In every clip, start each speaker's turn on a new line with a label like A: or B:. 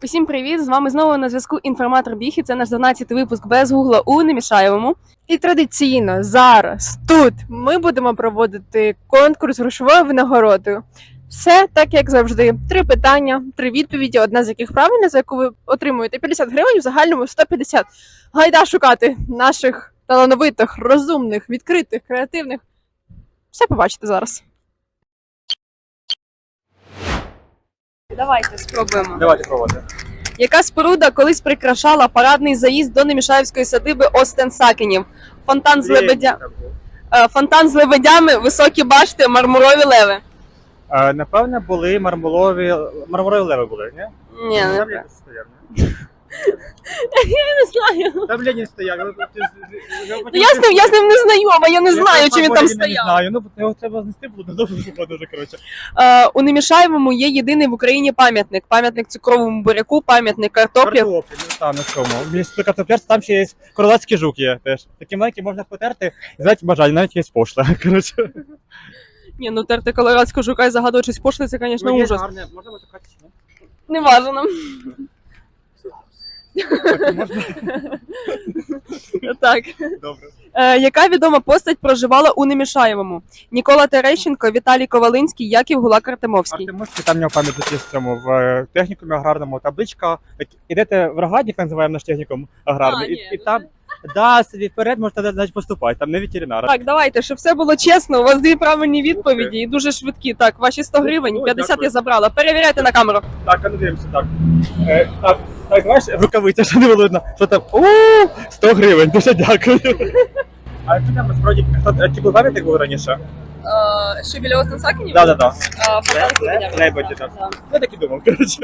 A: Усім привіт! З вами знову на зв'язку інформатор Біг, і це наш 12-й випуск без гугла у Немішаєвому. І традиційно зараз тут ми будемо проводити конкурс грошовою винагородою. Все так, як завжди. 3 питання, 3 відповіді, одна з яких правильна, за яку ви отримуєте 50 гривень, в загальному 150. Гайда шукати наших талановитих, розумних, відкритих, креативних. Все побачите зараз. Давайте спробуємо.
B: Давайте проводимо.
A: Яка споруда колись прикрашала парадний заїзд до Немішаєвської садиби Остен-Сакенів? Фонтан з лебедями, високі башти, мармурові леви.
B: Напевне, були мармурові леви були, ні?
A: Ні, не
B: Там Ленін стояв, ні?
A: я не знаю.
B: Там Ленін стояв.
A: Я з ним не знайома, я не знаю, чи він там
B: Не
A: стояв.
B: знаю, ну його треба знести було, дуже коротше.
A: У Немішаєвому є єдиний в Україні пам'ятник. Пам'ятник цукровому буряку, пам'ятник картоплі.
B: Картоплі, ну там на цьому. Біля картоплярства там ще є королевський жук є теж. Такі маленькі можна потерти, звати бажання, навіть є пошла, коротше.
A: Ні, ну терти колорадського жука і загадувати щось пошле, це, звісно, ужас.
B: Можна витикати чи ні?
A: Не важно.
B: Можна?
A: Так.
B: Добре.
A: Яка відома постать проживала у Немішаєвому? Нікола Терещенко, Віталій Ковалинський, Яків Гулак-Артемовський.
B: Артемовський, там в нього пам'ятник є в цьому, в технікумі аграрному, табличка. Ідете в Рогатник, називаємо наш технікум аграрний, і там, собі вперед можете навіть поступати, там не ветеринар.
A: Так, давайте, щоб все було чесно, у вас 2 правильні відповіді і дуже швидкі. Так, ваші 100 гривень, 50
B: дякую.
A: я забрала. Перевіряйте на камеру.
B: Так, а ну дивимося, так. Так, знаєш, рукавиця, що не було видно, що там, 100 гривень, дуже дякую. А якщо там насправді, який пам'ятник був раніше?
A: Що біля Остен-Сакенів?
B: Да.
A: Фонтан
B: Лебеді, так. Я так і думав, коротше.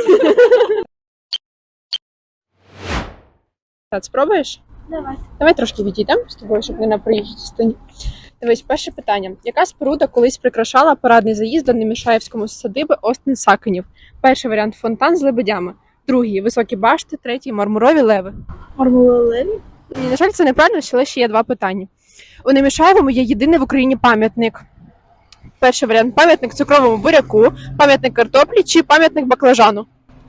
A: Так, спробуєш? Давай трошки відійдемо з тобою, щоб не на проїжджій частині. Дивись, перше питання. Яка споруда колись прикрашала парадний заїзд до Немішаєвському садиби Остен-Сакенів? Перший варіант – фонтан з лебедями. Другий – високі башти. Третій – мармурові леви.
C: Мармурові леви?
A: Ні, на жаль, це неправильно, але ще є 2 питання. У Немішаєвому є єдиний в Україні пам'ятник. Перший варіант – пам'ятник цукровому буряку, пам'ятник картоплі чи пам'ятник баклажану.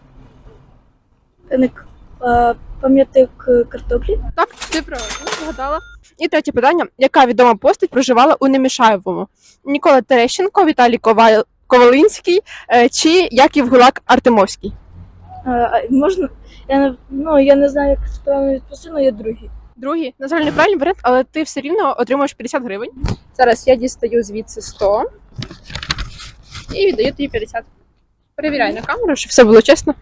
C: Пам'ятник картоплі?
A: Так, ти правильно згадала. І третє питання. Яка відома постать проживала у Немішаєвому? Нікола Терещенко, Віталій Ковалинський чи Яків Гулак-Артемовський?
C: Можна? Я не знаю, як це правильно відповісти, але є другий.
A: Другий, на жаль, неправильний варіант, але ти все рівно отримуєш 50 гривень. Зараз я дістаю звідси 100 і віддаю тобі 50. Перевіряй на камеру, щоб все було чесно.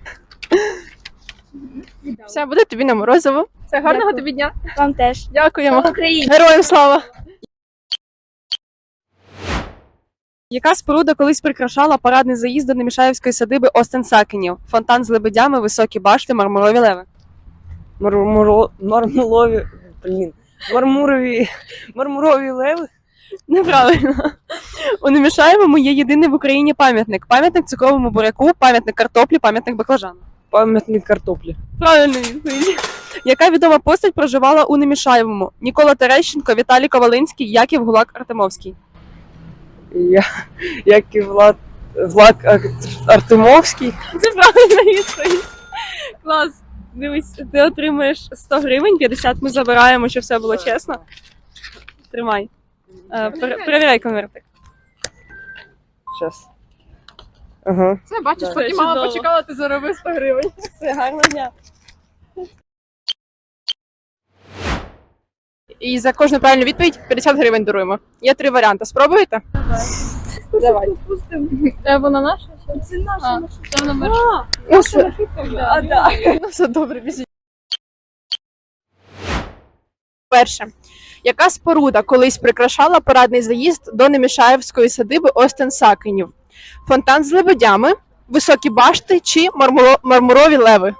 A: Все, буде тобі на морозиво. Все, гарного
C: Дякую.
A: тобі дня.
C: Вам теж.
A: Дякуємо.
C: Україна!
A: Героям слава! Яка споруда колись прикрашала парадний заїзд до Немішаєвської садиби Остен-Сакенів? Фонтан з лебедями, високі башти, мармурові леви.
D: Мармурові леви?
A: Неправильно. У Немішаєвому є єдиний в Україні пам'ятник. Пам'ятник цукровому буряку, пам'ятник картоплі, пам'ятник баклажану.
D: Пам'ятник картоплі.
A: Правильно відповідь. Яка відома постать проживала у Немішаєвому? Нікола Терещенко, Віталій Ковалинський, Яків Гулак-Артемовський.
D: Як і Влад Артемовський.
A: Це правильна відповідь. Клас. Дивись, ти отримаєш 100 гривень, 50 ми забираємо, щоб все було чесно. Тримай. Перевіряй конвертик.
D: Щас. Ага.
A: Це, бачиш,
D: Да.
A: поки мама почекала, ти заробив 100 гривень. Все, гарного дня. І за кожну правильну відповідь 50 гривень даруємо. Є 3 варіанти. Спробуєте? Давай. Це вона наша?
C: Це наша.
A: Це номер.
C: Ну,
A: Ну, все добре, біжіть. Перше. Яка споруда колись прикрашала парадний заїзд до Немішаєвської садиби Остен-Сакенів? Фонтан з лебедями, високі башти чи мармурові леви?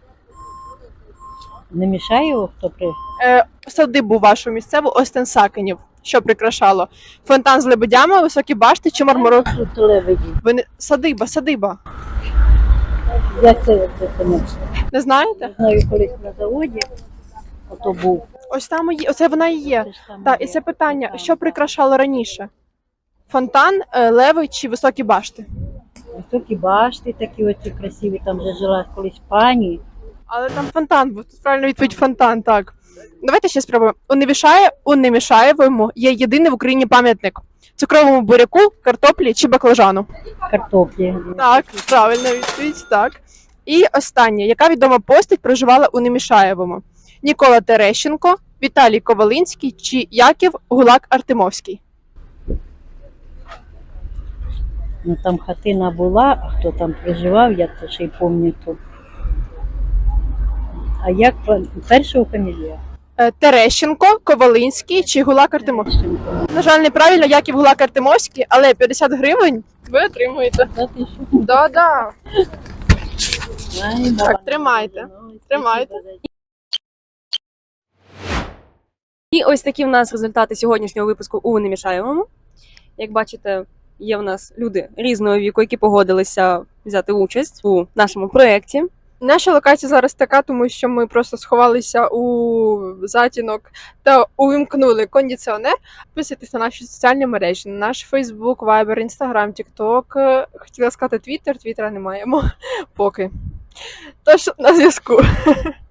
E: Не мішає його, хто при...
A: Садибу вашу місцеву Остен-Сакенів. Що прикрашало? Фонтан з лебедями, високі башти чи мармурові?
E: Тут лебеді.
A: Ви не... Садиба.
E: Як це не
A: Не знаєте?
E: знаю, колись на заводі, ото був.
A: Ось там і є. Оце вона і є.
E: Це ж там
A: Так, і
E: є.
A: це питання,
E: Там,
A: що
E: так.
A: прикрашало раніше? Фонтан, леви чи високі башти?
E: Високі башти такі оці красиві, там вже жила колись пані.
A: Але там фонтан був. Тут правильно відповідь фонтан, так. Давайте ще спробуємо. У Немішаєвому є єдиний в Україні пам'ятник цукровому буряку, картоплі чи баклажану.
E: Картоплі.
A: Так, правильна відповідь, так. І останнє. Яка відома постать проживала у Немішаєвому? Нікола Терещенко, Віталій Ковалинський чи Яків Гулак Артемовський?
E: Ну там хатина була, а хто там проживав, я то ще й пам'ятаю. А як першого фамілія?
A: Терещенко, Ковалинський чи Гулак Артемовський? На жаль, неправильно, Яків Гулак Артемовський, але 50 гривень ви отримуєте.
E: Та ти що?
A: Да-да.
E: Ай, баба,
A: Так, тримайте,
E: ну,
A: тримайте.
E: спасибо за
A: І ось такі в нас результати сьогоднішнього випуску у Немішаєвому. Як бачите, є в нас люди різного віку, які погодилися взяти участь у нашому проєкті. Наша локація зараз така, тому що ми просто сховалися у затінок та увімкнули кондиціонер. Підписуйтесь на наші соціальні мережі, на наш Facebook, Viber, Instagram, TikTok. Хотіла сказати Twitter, Твіттера не маємо поки. Тож на зв'язку.